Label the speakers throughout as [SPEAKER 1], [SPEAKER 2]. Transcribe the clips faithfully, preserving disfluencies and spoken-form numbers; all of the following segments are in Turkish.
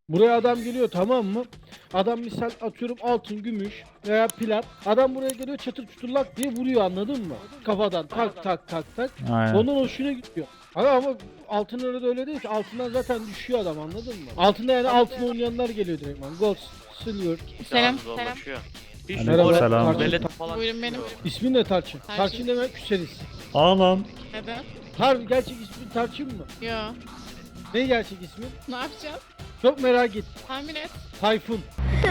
[SPEAKER 1] Buraya adam geliyor, tamam mı? Adam misal atıyorum altın, gümüş veya plat. Adam buraya geliyor, çatır çuturlak diye vuruyor, anladın mı? Kafadan tak tak tak tak.
[SPEAKER 2] Aynen.
[SPEAKER 1] Ondan hoşuna gidiyor. Ama, ama altın öyle de öyle değil ki. Altından zaten düşüyor adam, anladın mı? Altında yani altın oynayanlar geliyor direktman. Gold, silver.
[SPEAKER 3] Selam.
[SPEAKER 4] Selam.
[SPEAKER 3] Selam.
[SPEAKER 4] Hiç
[SPEAKER 1] Merhaba,
[SPEAKER 4] böyle
[SPEAKER 2] selam.
[SPEAKER 4] velet falan
[SPEAKER 3] Buyurun benim.
[SPEAKER 4] çıkmıyor.
[SPEAKER 1] İsmin ne Tarçın?
[SPEAKER 3] Tarçın.
[SPEAKER 1] Tarçın demek küseriz.
[SPEAKER 2] Aa lan.
[SPEAKER 3] Neden?
[SPEAKER 1] Harbi gerçek ismin Tarçın mı?
[SPEAKER 3] Yo.
[SPEAKER 1] Ne gerçek ismin?
[SPEAKER 3] Ne yapacağız?
[SPEAKER 1] Çok merak ettim.
[SPEAKER 3] Tahmin et.
[SPEAKER 1] Tayfun.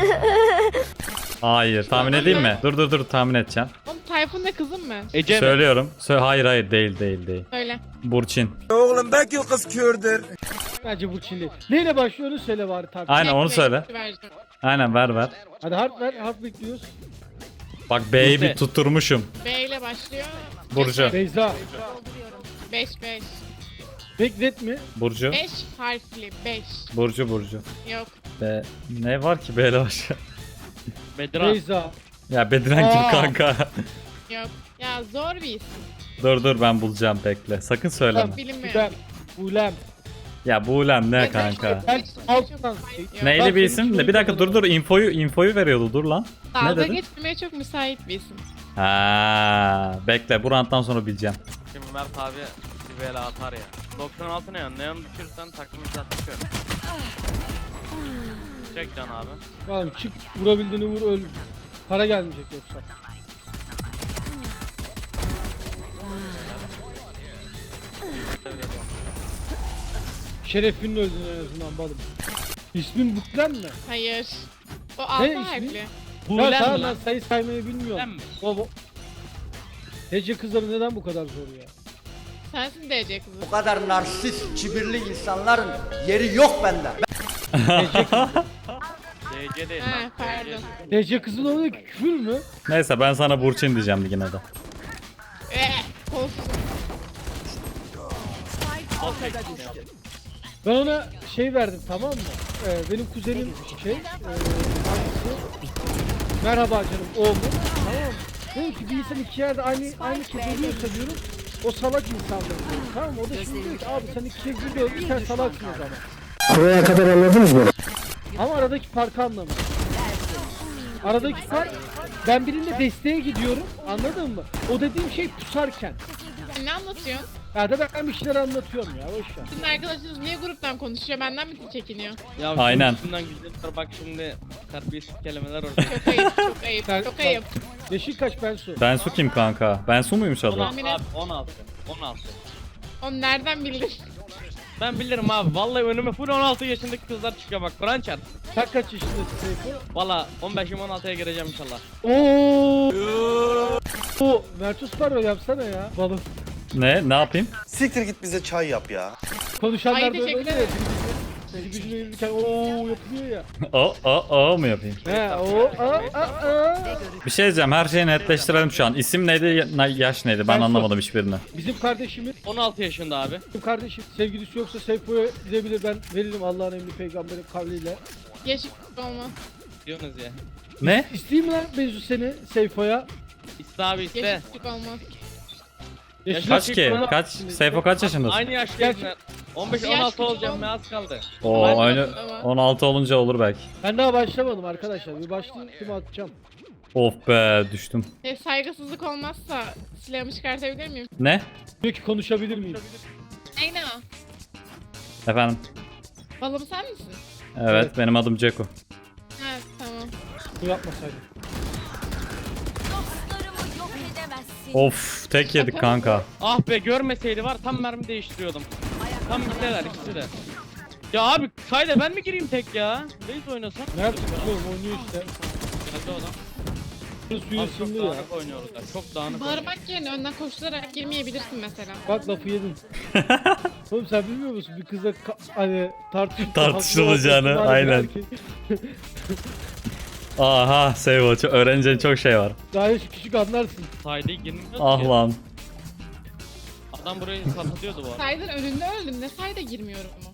[SPEAKER 2] Hayır, tahmin edeyim mi? Dur dur dur, tahmin edeceğim.
[SPEAKER 3] Oğlum Tayfun ne kızım mı?
[SPEAKER 4] Ece mi?
[SPEAKER 2] Söylüyorum. Sö hayır hayır, değil değil değil.
[SPEAKER 3] Söyle.
[SPEAKER 2] Burçin.
[SPEAKER 1] Bence bu Çinli. Neyle başlıyor onu söyle bari Tarçın.
[SPEAKER 2] Aynen, onu
[SPEAKER 3] Bekle,
[SPEAKER 2] söyle.
[SPEAKER 3] vereceğim.
[SPEAKER 2] Aynen, ver ver.
[SPEAKER 1] Hadi harf ver, harf bekliyoruz.
[SPEAKER 2] Bak B'yi
[SPEAKER 4] Buse.
[SPEAKER 2] bir tutturmuşum.
[SPEAKER 3] B ile başlıyor.
[SPEAKER 2] Burcu.
[SPEAKER 1] Beyza.
[SPEAKER 3] beş beş.
[SPEAKER 1] Beklet mi?
[SPEAKER 2] Burcu.
[SPEAKER 3] beş harfli beş.
[SPEAKER 2] Burcu Burcu.
[SPEAKER 3] Yok.
[SPEAKER 2] B. Ne var ki B'yle başla?
[SPEAKER 4] Bedran.
[SPEAKER 1] Beyza.
[SPEAKER 2] Ya Bediren kim
[SPEAKER 1] Aa.
[SPEAKER 2] kanka?
[SPEAKER 3] Yok. Ya zor bir isim.
[SPEAKER 2] Dur dur, ben bulacağım, bekle. Sakın söyleme.
[SPEAKER 1] Tamam.
[SPEAKER 3] Bilinmiyor.
[SPEAKER 1] Güzel. Ulem.
[SPEAKER 2] Ya bu ulan ne
[SPEAKER 3] Evet,
[SPEAKER 2] kanka?
[SPEAKER 1] Ben altından.
[SPEAKER 3] Yok.
[SPEAKER 2] Neyli
[SPEAKER 1] Bak,
[SPEAKER 2] bir isim?
[SPEAKER 1] senin
[SPEAKER 2] De bir dakika, dur dur, infoyu infoyu veriyordu, dur lan. Ne
[SPEAKER 3] Dalga
[SPEAKER 2] dedin?
[SPEAKER 3] geçmeye çok müsait bir isim.
[SPEAKER 2] Ha, bekle, bu ranttan sonra bileceğim.
[SPEAKER 4] Şimdi Mert abi bir bela atar ya. doksan altı ne ya? Neon düşürsen takımı satıyor. Çek can abi.
[SPEAKER 1] Oğlum çık, vurabildiğini vur, öl. Para gelmeyecek yoksa. Şerefinle öldün en azından balım. İsmin Buklen mi?
[SPEAKER 3] Hayır. O altı
[SPEAKER 1] ismi?
[SPEAKER 3] harfli.
[SPEAKER 4] Bu
[SPEAKER 1] Ya
[SPEAKER 4] ulen
[SPEAKER 1] tamam
[SPEAKER 4] mi
[SPEAKER 1] ben
[SPEAKER 4] lan?
[SPEAKER 1] sayı saymayı
[SPEAKER 4] Ulen
[SPEAKER 1] bilmiyorum.
[SPEAKER 4] mi?
[SPEAKER 1] O bu. Hece kızları neden bu kadar zor ya?
[SPEAKER 3] Sensin D C kızı.
[SPEAKER 5] Bu kadar narsist, kibirli insanların yeri yok bende.
[SPEAKER 4] D C değil
[SPEAKER 3] Ha,
[SPEAKER 4] lan.
[SPEAKER 3] pardon.
[SPEAKER 1] Hece kızın oluyor ki küfür mü?
[SPEAKER 2] Neyse, ben sana Burçin diyeceğim yine de.
[SPEAKER 3] Eh, kolsuz.
[SPEAKER 1] Ben ona şey verdim, tamam mı? Ee, benim kuzenim şey, e, hangisi? Merhaba canım, o mu? Tamam mı? Dedim ki bir insan iki yerde aynı aynı kez ölüyorsa diyorum, o salak insandır diyorum. Tamam mı? O da şimdi diyor ki abi sen iki kez bir öldün, sen salaksın o zaman.
[SPEAKER 6] Buraya kadar anladınız mı?
[SPEAKER 1] Ama aradaki farkı anlamıyorum. Aradaki fark, ben birinde desteğe gidiyorum, anladın mı? O dediğim şey pusarken.
[SPEAKER 3] Sen ne anlatıyorsun?
[SPEAKER 1] Ya da ben bir şeyler anlatıyorum ya, boş ver.
[SPEAKER 3] Sizin arkadaşınız niye gruptan konuşuyor? Benden mi çekiniyor?
[SPEAKER 4] Ya
[SPEAKER 2] Aynen.
[SPEAKER 4] Üstünden güzel bak şimdi terbiyesiz kelimeler orada.
[SPEAKER 3] Çok ayıp, çok ayıp,
[SPEAKER 1] Sen-
[SPEAKER 3] çok ayıp.
[SPEAKER 1] Yaşın kaç Bensu?
[SPEAKER 2] Bensu kim kanka? Bensu muymuş adı?
[SPEAKER 4] on altı
[SPEAKER 3] Tahmin et.
[SPEAKER 4] abi on altı. on altı.
[SPEAKER 3] Onu nereden bildin?
[SPEAKER 4] Ben bilirim abi. Vallahi önüme full on altı yaşındaki kızlar çıkıyor bak. Kur'an çarp.
[SPEAKER 1] Sen kaç yaşındasın Seyfo?
[SPEAKER 4] Valla on beşim on altıya gireceğim inşallah.
[SPEAKER 1] Oo. O Mertus Paro yapsana ya. Balım.
[SPEAKER 2] Ne? Ne yapayım?
[SPEAKER 7] Siktir git bize çay yap ya.
[SPEAKER 1] Konuşanlar
[SPEAKER 3] Ay,
[SPEAKER 1] da öyle
[SPEAKER 3] teşekkür
[SPEAKER 1] oluyor ya.
[SPEAKER 3] ederim.
[SPEAKER 1] Dili gücüne yürürken ooo yapıyor ya.
[SPEAKER 2] O o o mu yapayım?
[SPEAKER 1] He o a a a.
[SPEAKER 2] Bir şey diyeceğim, her şeyi netleştirelim şu an. İsim neydi, ya- yaş neydi? Ben
[SPEAKER 1] Bensu.
[SPEAKER 2] anlamadım hiçbirini.
[SPEAKER 1] Bizim kardeşimiz,
[SPEAKER 4] on altı yaşında abi.
[SPEAKER 1] bizim kardeşim sevgilisi yoksa Seyfo'ya gidebilir, ben veririm Allah'ın emri peygamberin kavliyle.
[SPEAKER 3] Yaşık olmaz.
[SPEAKER 4] Diyorsunuz ya.
[SPEAKER 2] Ne?
[SPEAKER 1] İsteyeyim mi lan Benzu seni Seyfo'ya?
[SPEAKER 4] İste abi iste.
[SPEAKER 3] Yaşık olmaz.
[SPEAKER 1] Yaşın
[SPEAKER 2] Kaç ki? Kaç? Seyfo kaç yaşındasın?
[SPEAKER 4] Aynı yaştayız. on beş on
[SPEAKER 3] Yaş
[SPEAKER 4] altı
[SPEAKER 3] küçük
[SPEAKER 4] olacağım
[SPEAKER 3] olma.
[SPEAKER 4] ne az kaldı.
[SPEAKER 2] Oo,
[SPEAKER 3] Ben de
[SPEAKER 2] aynı
[SPEAKER 3] yaptım ama.
[SPEAKER 2] on altı olunca olur belki.
[SPEAKER 1] Ben daha başlamadım arkadaşlar. Bir başlayayım kimi atacağım.
[SPEAKER 2] Of be, düştüm.
[SPEAKER 3] E, saygısızlık olmazsa silahımı çıkartabilir miyim?
[SPEAKER 2] Ne?
[SPEAKER 1] Diyor ki konuşabilir miyim?
[SPEAKER 3] Ney ne o?
[SPEAKER 2] Efendim?
[SPEAKER 3] Balım sen misin?
[SPEAKER 2] Evet, benim adım Ceko.
[SPEAKER 3] Ha tamam.
[SPEAKER 1] Bunu yapmasaydım.
[SPEAKER 8] Dostlarımı yok edemezsin.
[SPEAKER 2] Of, tek yedik kanka.
[SPEAKER 4] Ah be görmeseydi var tam mermi değiştiriyordum. Tam gittiler ikisi de. Ya abi sayda ben mi gireyim tek ya? Reis oynasam.
[SPEAKER 1] Nerede? Oğlum oynuyor işte.
[SPEAKER 4] Geldi o da.
[SPEAKER 1] Suyu
[SPEAKER 4] Abi çok
[SPEAKER 1] ısındı ya.
[SPEAKER 4] dağınık oynuyorlar. Çok dağınık oynuyor.
[SPEAKER 3] Bağırmak yerine önden koşturarak girmeyebilirsin mesela.
[SPEAKER 1] Bak lafı yedin. Oğlum sen bilmiyor musun bir kızla ka- hani tartışıp
[SPEAKER 2] Tartışılacağını,
[SPEAKER 1] haklı olması var
[SPEAKER 2] aynen.
[SPEAKER 1] belki.
[SPEAKER 2] Aha, Seyfo, çok- öğreneceğin çok şey var.
[SPEAKER 1] Daha yaşı küçük anlarsın.
[SPEAKER 4] Sayda girmiyor
[SPEAKER 2] Ah
[SPEAKER 4] ki.
[SPEAKER 2] lan.
[SPEAKER 4] Adam burayı satıyordu bu arada.
[SPEAKER 3] Saydın önünde öldüm. Ne sayda girmiyorum mu?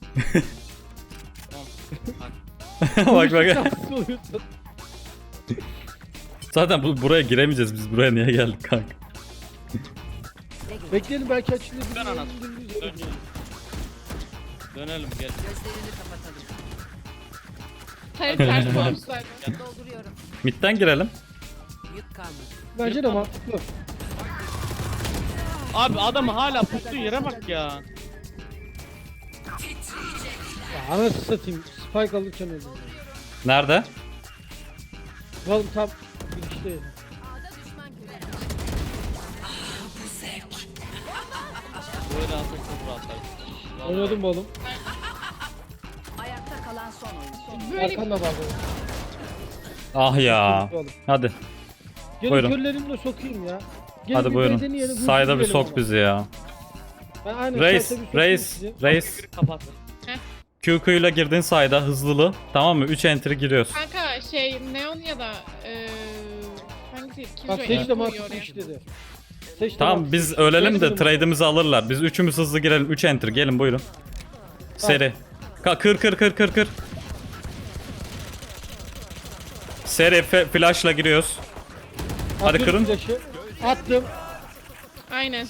[SPEAKER 4] Tamam.
[SPEAKER 2] Bak bak.
[SPEAKER 1] Şanssız oluyorsun.
[SPEAKER 2] Zaten bu, buraya giremeyeceğiz, biz buraya niye geldik kanka?
[SPEAKER 1] Bekleyelim belki açılır.
[SPEAKER 4] Dön anasını. Dön. Dönelim gel.
[SPEAKER 3] Hayır ters koymuşlar.
[SPEAKER 8] Dolduruyorum.
[SPEAKER 2] Mid'den girelim.
[SPEAKER 8] Yük kalmadı.
[SPEAKER 1] Bence de mantıklı.
[SPEAKER 4] Abi adamı hala pustuğu yere bak ya.
[SPEAKER 1] Ya anasını satayım. Spike alırken öldüm.
[SPEAKER 2] Nerede?
[SPEAKER 1] Oğlum tam girişte.
[SPEAKER 4] Böyle alsak çok rahatlar.
[SPEAKER 1] Oynadım mı oğlum?
[SPEAKER 8] Ayakta kalan son oyuncu.
[SPEAKER 3] Böyle
[SPEAKER 1] Arkanda var oğlum.
[SPEAKER 2] Ah ya.
[SPEAKER 1] Oğlum.
[SPEAKER 2] Hadi.
[SPEAKER 1] Gelin
[SPEAKER 2] Buyurun.
[SPEAKER 1] körlerimle sokayım ya. Gelin
[SPEAKER 2] Hadi
[SPEAKER 1] bir
[SPEAKER 2] buyurun.
[SPEAKER 1] deneyelim, hızlı
[SPEAKER 2] Sayda bir
[SPEAKER 1] girelim
[SPEAKER 2] sok
[SPEAKER 1] ama.
[SPEAKER 2] bizi ya.
[SPEAKER 1] Ben aynen
[SPEAKER 2] Reis,
[SPEAKER 1] sayda bir sokayım
[SPEAKER 2] reis,
[SPEAKER 1] sizi.
[SPEAKER 2] reis.
[SPEAKER 4] Kapat.
[SPEAKER 2] Q Q ile girdin sayda hızlılı. Tamam mı? üç enter giriyoruz.
[SPEAKER 3] kanka şey Neon ya da eee hangisi?
[SPEAKER 1] Bak
[SPEAKER 3] Killjoy
[SPEAKER 1] seç de
[SPEAKER 3] koyuyor
[SPEAKER 1] mantıklı
[SPEAKER 3] oraya.
[SPEAKER 1] iş dedi. Seç de
[SPEAKER 2] Tamam
[SPEAKER 1] mantıklı
[SPEAKER 2] biz
[SPEAKER 1] iş.
[SPEAKER 2] ölelim de
[SPEAKER 1] Denedim.
[SPEAKER 2] trade'imizi alırlar. Biz üçümüz hızlı girelim. üç enter gelin buyurun. Seri. Ka kır kır kır kır kır. Seri fe- flash'la giriyoruz. Hadi
[SPEAKER 1] Atıyorum
[SPEAKER 2] kırın.
[SPEAKER 1] flash'ı. Attım.
[SPEAKER 3] Aynen.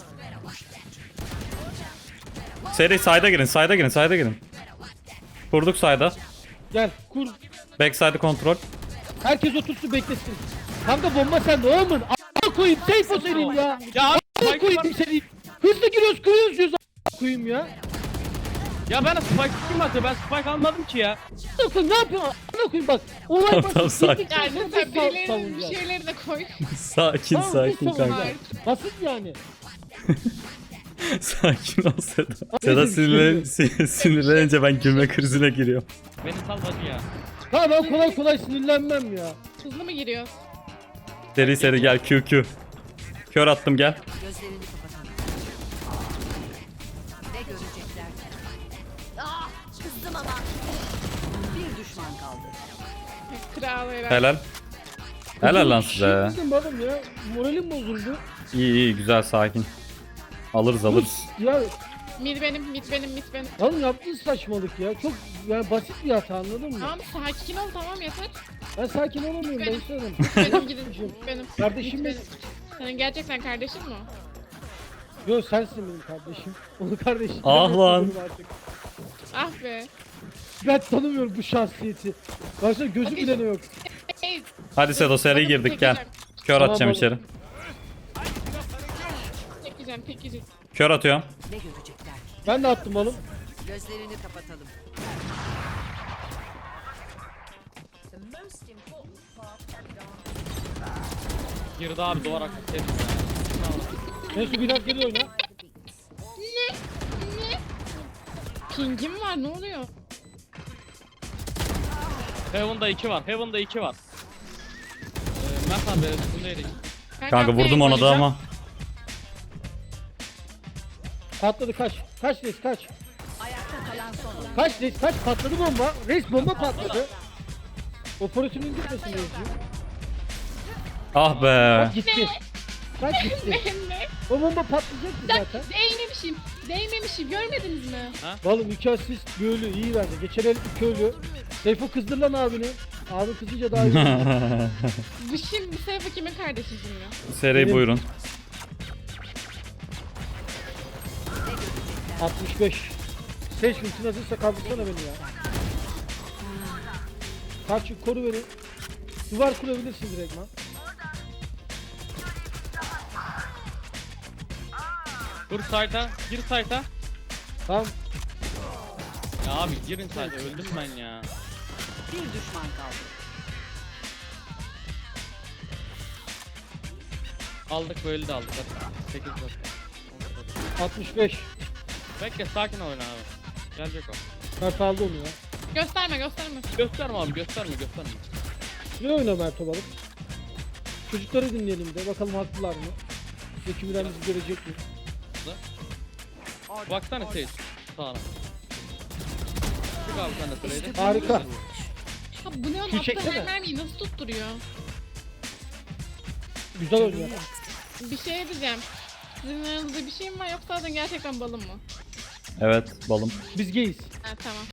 [SPEAKER 2] Seri sayda girin, sayda girin, sayda girin. Kurduk sayda.
[SPEAKER 1] Gel kur.
[SPEAKER 2] Backside'ı kontrol.
[SPEAKER 1] Herkes otursun beklesin. Kanka bomba sende oğlum. A**a koyayım. Safe o senin ya.
[SPEAKER 4] Ya abi
[SPEAKER 1] A**a
[SPEAKER 4] Spike var.
[SPEAKER 1] koyayım senin. Hızlı giriyoruz kırıyoruz diyoruz. A**a koyayım ya.
[SPEAKER 4] Ya ben Spike kim atıyor? Ben Spike almadım ki ya.
[SPEAKER 1] A**a koyayım ne yapıyorsun? A**a koyayım bak. Olay
[SPEAKER 2] Tamam,
[SPEAKER 1] basit.
[SPEAKER 2] tamam, sakin.
[SPEAKER 1] Gittik,
[SPEAKER 3] Yani
[SPEAKER 1] sonra
[SPEAKER 3] sen
[SPEAKER 1] biz sav-
[SPEAKER 3] birilerinin bir
[SPEAKER 1] savunacağız.
[SPEAKER 3] şeyleri de koy.
[SPEAKER 2] Sakin
[SPEAKER 1] Tamam, biz
[SPEAKER 2] sakin kanka.
[SPEAKER 1] savunacağız. Basit yani.
[SPEAKER 2] Sakin ol Seda.
[SPEAKER 1] Neyse,
[SPEAKER 2] Seda
[SPEAKER 1] bir şey
[SPEAKER 2] sinirlen
[SPEAKER 1] yok.
[SPEAKER 2] sin- sinirlenince ben gülme krizine giriyorum.
[SPEAKER 4] Beni sal hadi ya.
[SPEAKER 1] Ha ben kolay kolay sinirlenmem ya.
[SPEAKER 3] Hızlı mı giriyor?
[SPEAKER 2] Seri seri gel Q Q. Kör attım gel.
[SPEAKER 8] Gözlerini kapatalım. Ne görecekler? Ah, kızdım ama. Bir düşman kaldı.
[SPEAKER 3] Kral herhalde.
[SPEAKER 2] Helal. Helal lan size.
[SPEAKER 1] Şey oğlum ya. Moralim bozuldu.
[SPEAKER 2] İyi iyi güzel sakin. Alırız alırız.
[SPEAKER 1] Ya
[SPEAKER 3] Mid benim, mid benim, mid benim.
[SPEAKER 1] oğlum yaptığın saçmalık ya. Çok yani basit bir hata anladın mı?
[SPEAKER 3] Tamam sakin ol tamam yeter.
[SPEAKER 1] Ben sakin olamıyorum ben istedim.
[SPEAKER 3] Benim gidin, benim.
[SPEAKER 1] Kardeşim
[SPEAKER 3] Mid
[SPEAKER 1] benim.
[SPEAKER 3] Senin gerçekten kardeşin mi o?
[SPEAKER 1] Yo sensin benim kardeşim. Onu kardeşim.
[SPEAKER 2] Ah
[SPEAKER 1] Ben
[SPEAKER 2] lan.
[SPEAKER 1] tanımıyorum artık.
[SPEAKER 3] Ah be.
[SPEAKER 1] Ben tanımıyorum bu şahsiyeti. Başka gözü
[SPEAKER 3] Okey.
[SPEAKER 1] bile ne yok.
[SPEAKER 3] Hey,
[SPEAKER 2] Hadi Sedo seri girdik gel. Kör
[SPEAKER 1] Tamam
[SPEAKER 2] atacağım
[SPEAKER 1] oğlum.
[SPEAKER 2] içeri.
[SPEAKER 3] tek yiyeceğim, tek yiyeceğim.
[SPEAKER 2] Kör atıyorum.
[SPEAKER 8] Ne görecekler?
[SPEAKER 1] Ben de attım oğlum.
[SPEAKER 8] Gözlerini kapatalım.
[SPEAKER 4] Girdi abi duvar aklı sevdim ya.
[SPEAKER 1] Neyse bir dakika geliyor ya.
[SPEAKER 3] Pingim var ne oluyor?
[SPEAKER 4] Heaven'da iki var. Heaven'da iki var. Ee, Mert abi üstündeydik.
[SPEAKER 2] Kanka vurdum ona da ama.
[SPEAKER 1] Patladı kaç. Kaç reis kaç.
[SPEAKER 8] Ayakta kalan son oyuncu.
[SPEAKER 1] Kaç reis kaç patladı bomba. Reis bomba patladı. Operasyonun gitmesin reisciğim.
[SPEAKER 2] Ah be.
[SPEAKER 1] Bak gitti. Kaç gitti.
[SPEAKER 3] Ne?
[SPEAKER 1] O bomba patlayacaktı zaten.
[SPEAKER 3] Değmemişim. Değmemişim. Görmediniz mi?
[SPEAKER 1] Oğlum iki asist böyle iyi verdi. Geçen el iki ölü. Seyfo kızdır lan abini. Abi kızınca daha iyi.
[SPEAKER 3] Bu şimdi Seyfo kimin kardeşi şimdi?
[SPEAKER 2] Seri
[SPEAKER 1] Benim.
[SPEAKER 2] buyurun.
[SPEAKER 1] altmış beş. Seç ultin hazırsa kaldırsana beni ya. Kaç koru beni. Duvar kurabilirsin direkt lan.
[SPEAKER 4] Dur site'a. Gir site'a.
[SPEAKER 1] Tamam.
[SPEAKER 4] Ya abi girin site'a. Öldüm ben ya.
[SPEAKER 8] Bir düşman kaldı.
[SPEAKER 4] Aldık böyle de aldık. sekiz dört.
[SPEAKER 1] altmış beş.
[SPEAKER 4] Bekle sakin oyna abi. Gelecek o.
[SPEAKER 1] Mert aldı onu ya.
[SPEAKER 3] Gösterme gösterme.
[SPEAKER 4] Gösterme abi gösterme gösterme.
[SPEAKER 1] Ne oyna Mert o balık? Çocukları dinleyelim de bakalım haklılar mı? Zekimden bizi görecek mi?
[SPEAKER 4] Baksana Sage. Sağına. Çık abi sen de trade'e.
[SPEAKER 1] Harika.
[SPEAKER 3] Ha, bu ne
[SPEAKER 1] Şu
[SPEAKER 3] onun
[SPEAKER 1] çeksene.
[SPEAKER 3] attığı her mermiyi nasıl tutturuyor?
[SPEAKER 1] Güzel oynuyor.
[SPEAKER 3] Bir şey diyeceğim. Sizin aranızda bir şey mi var yoksa zaten gerçekten balım mı?
[SPEAKER 2] Evet balım.
[SPEAKER 1] Biz geyiz.
[SPEAKER 3] Ha tamam.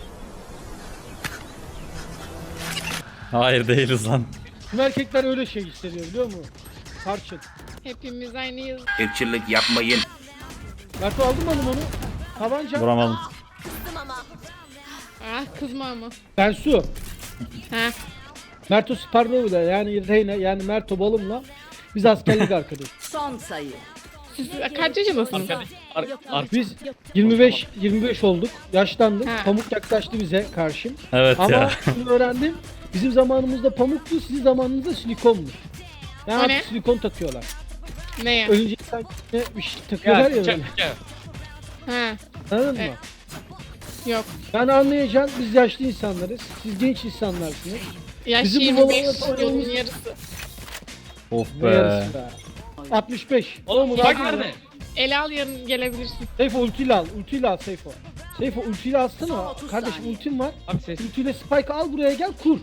[SPEAKER 2] Hayır değiliz lan.
[SPEAKER 1] Tüm erkekler öyle şey hissediyor biliyor musun? Tarçın.
[SPEAKER 3] Hepimiz aynıyız.
[SPEAKER 7] Irkçılık yapmayın.
[SPEAKER 1] Mert aldın mı oğlum onu? Tabanca.
[SPEAKER 2] Vuramadım.
[SPEAKER 8] Kızdım ama.
[SPEAKER 3] Ah kızma ama.
[SPEAKER 1] Ben su.
[SPEAKER 3] Ha.
[SPEAKER 1] Merto Sparnov'la yani Reyna yani Merto Balım'la biz askerlik arkadaşız.
[SPEAKER 8] Son sayı.
[SPEAKER 3] Siz kaç yaşındasınız?
[SPEAKER 4] Arkadaş, ar, ar,
[SPEAKER 1] Biz yirmi beş yirmi beş olduk. Yaşlandık.
[SPEAKER 3] Ha.
[SPEAKER 1] Pamuk yaklaştı bize karşı.
[SPEAKER 2] Evet
[SPEAKER 1] Ama
[SPEAKER 2] ya.
[SPEAKER 1] şunu öğrendim. Bizim zamanımızda pamuktu, sizin zamanınızda silikonmuş. Yani
[SPEAKER 3] O
[SPEAKER 1] artık
[SPEAKER 3] ne?
[SPEAKER 1] silikon takıyorlar.
[SPEAKER 3] Neye?
[SPEAKER 1] Ölünce sanki bir şey takıyorlar ya
[SPEAKER 4] gel,
[SPEAKER 1] böyle.
[SPEAKER 4] gel, gel.
[SPEAKER 3] Ha.
[SPEAKER 1] Anladın mı?
[SPEAKER 3] Evet. Yok.
[SPEAKER 1] Yani anlayacaksın biz yaşlı insanlarız. Siz genç insanlarsınız.
[SPEAKER 3] Yaş
[SPEAKER 1] Bizim bu
[SPEAKER 3] yirmi beş,
[SPEAKER 1] babalar-
[SPEAKER 3] yolun yarısı.
[SPEAKER 2] Of
[SPEAKER 1] Ne
[SPEAKER 2] be.
[SPEAKER 1] yarısı be. altmış beş.
[SPEAKER 4] Oğlum
[SPEAKER 1] Oğlum,
[SPEAKER 4] bak
[SPEAKER 1] hadi.
[SPEAKER 4] nerede?
[SPEAKER 3] El al yarın gelebilirsin.
[SPEAKER 1] Seyfo ultiyle al. Ultiyle al Seyfo. Seyfo ultiyle alsana.
[SPEAKER 8] Son otuz
[SPEAKER 1] Kardeşim
[SPEAKER 8] saniye.
[SPEAKER 1] ultim var.
[SPEAKER 4] Abi ses.
[SPEAKER 1] Ultiyle spike al buraya gel kur.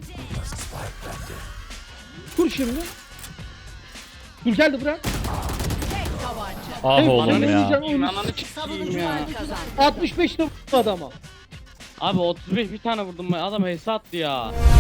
[SPEAKER 1] Kur şimdi. Dur geldi bırak.
[SPEAKER 2] Ah
[SPEAKER 1] Seyfo,
[SPEAKER 2] oğlum
[SPEAKER 1] sen ne
[SPEAKER 2] ya.
[SPEAKER 1] diyeceksin oğlum?
[SPEAKER 4] Ananı sikeyim ya.
[SPEAKER 8] Savunucular kazandı.
[SPEAKER 1] altmış beşte bu adama.
[SPEAKER 4] Abi otuz beş bir tane vurdum ben adam hesa attı ya.